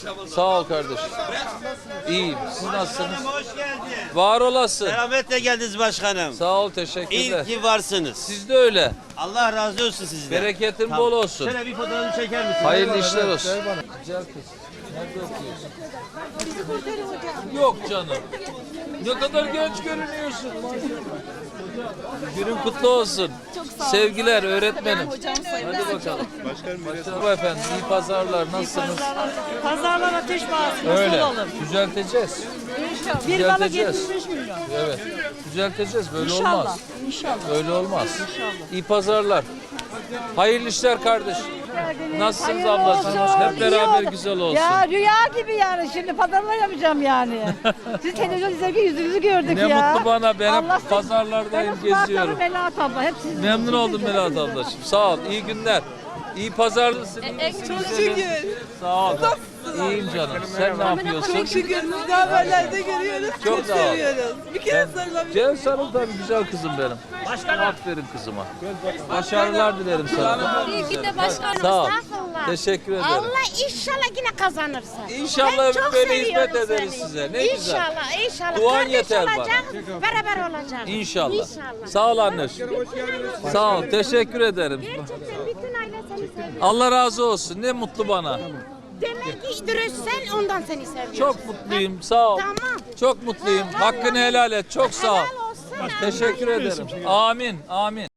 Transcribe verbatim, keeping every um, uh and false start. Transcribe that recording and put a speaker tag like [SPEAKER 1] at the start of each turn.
[SPEAKER 1] Sağ ol kardeşim. İyiyim. Siz nasılsınız?
[SPEAKER 2] Hoş geldin.
[SPEAKER 1] Var olasın.
[SPEAKER 2] Selametle geldiniz başkanım.
[SPEAKER 1] Sağ ol, teşekkürler.
[SPEAKER 2] İyi ki varsınız.
[SPEAKER 1] Siz de öyle.
[SPEAKER 2] Allah razı olsun sizden.
[SPEAKER 1] Bereketin
[SPEAKER 2] Tamam.
[SPEAKER 1] bol olsun.
[SPEAKER 2] Şöyle bir fotoğrafını çeker misin?
[SPEAKER 1] Hayırlı işler olsun. Güzel kız. Nerede okuyorsun? Yok canım. Ne kadar genç görünüyorsun. Günün kutlu olsun. Sevgiler öğretmenim. Hadi bakalım. Başkanım efendim, iyi pazarlar. Nasılsınız?
[SPEAKER 3] Pazarlar ateş pahası.
[SPEAKER 1] Öyle.
[SPEAKER 3] Nasıl olalım?
[SPEAKER 1] Düzelteceğiz.
[SPEAKER 3] İnşallah. Bir balık
[SPEAKER 1] Düzelteceğiz.
[SPEAKER 3] yetmiş beş milyon.
[SPEAKER 1] Evet. Düzelteceğiz. Böyle
[SPEAKER 3] İnşallah.
[SPEAKER 1] olmaz.
[SPEAKER 3] İnşallah.
[SPEAKER 1] Öyle olmaz. İyi pazarlar. Hayırlı işler kardeş. Nasılsınız
[SPEAKER 3] Hayırlı
[SPEAKER 1] ablacığım?
[SPEAKER 3] olsun,
[SPEAKER 1] Hep
[SPEAKER 3] iyi
[SPEAKER 1] beraber
[SPEAKER 3] oldu.
[SPEAKER 1] güzel olsun.
[SPEAKER 3] Ya rüya gibi yani şimdi pazarlar yapacağım yani. Siz televizyon izlerken yüzünüzü gördük
[SPEAKER 1] Ne
[SPEAKER 3] ya.
[SPEAKER 1] mutlu bana. Ben hep
[SPEAKER 3] Allah sizi-
[SPEAKER 1] pazarlardayım,
[SPEAKER 3] Benim
[SPEAKER 1] geziyorum.
[SPEAKER 3] Spartalı Melahat abla. Hep sizin.
[SPEAKER 1] Memnun oldum Melahat ablacığım. Sağ ol. İyi günler. İyi pazarlısın. iyi misin?
[SPEAKER 4] Çok
[SPEAKER 1] Güzelim.
[SPEAKER 4] şükür.
[SPEAKER 1] Sağ ol. İyiyim canım. Sen ne yapıyorsun?
[SPEAKER 4] Çok şükür. Biz de haberlerde görüyoruz.
[SPEAKER 1] Çok
[SPEAKER 4] Çok,
[SPEAKER 1] sağ ol.
[SPEAKER 4] seviyoruz. Bir kere sarılabilir.
[SPEAKER 1] Gel sarıl tabii güzel kızım benim. Aferin kızıma. Başarılar dilerim sana.
[SPEAKER 5] İyi ki de başkanım.
[SPEAKER 1] Sağ ol.
[SPEAKER 5] Estağfurullah.
[SPEAKER 1] Teşekkür ederim.
[SPEAKER 5] Allah inşallah yine kazanırsın.
[SPEAKER 1] İnşallah
[SPEAKER 5] Ben çok
[SPEAKER 1] böyle
[SPEAKER 5] seviyorum
[SPEAKER 1] hizmet ederiz
[SPEAKER 5] seni.
[SPEAKER 1] size. Ne güzel.
[SPEAKER 5] İnşallah, inşallah.
[SPEAKER 1] Duan
[SPEAKER 5] Kardeş
[SPEAKER 1] yeter bana.
[SPEAKER 5] olacağız, beraber olacağız.
[SPEAKER 1] İnşallah.
[SPEAKER 5] İnşallah.
[SPEAKER 1] Sağ ol anne. Sağ ol. Teşekkür ederim.
[SPEAKER 5] Gerçekten bütün aile seni seviyor.
[SPEAKER 1] Allah razı olsun. Ne mutlu bana.
[SPEAKER 5] Demek ki dürüstsen ondan seni seviyor.
[SPEAKER 1] Çok mutluyum. Sağ ol.
[SPEAKER 5] Tamam.
[SPEAKER 1] Çok mutluyum. Hakkını helal et. Çok sağ ol.
[SPEAKER 5] Helal olsun.
[SPEAKER 1] Teşekkür ederim. Amin. Amin.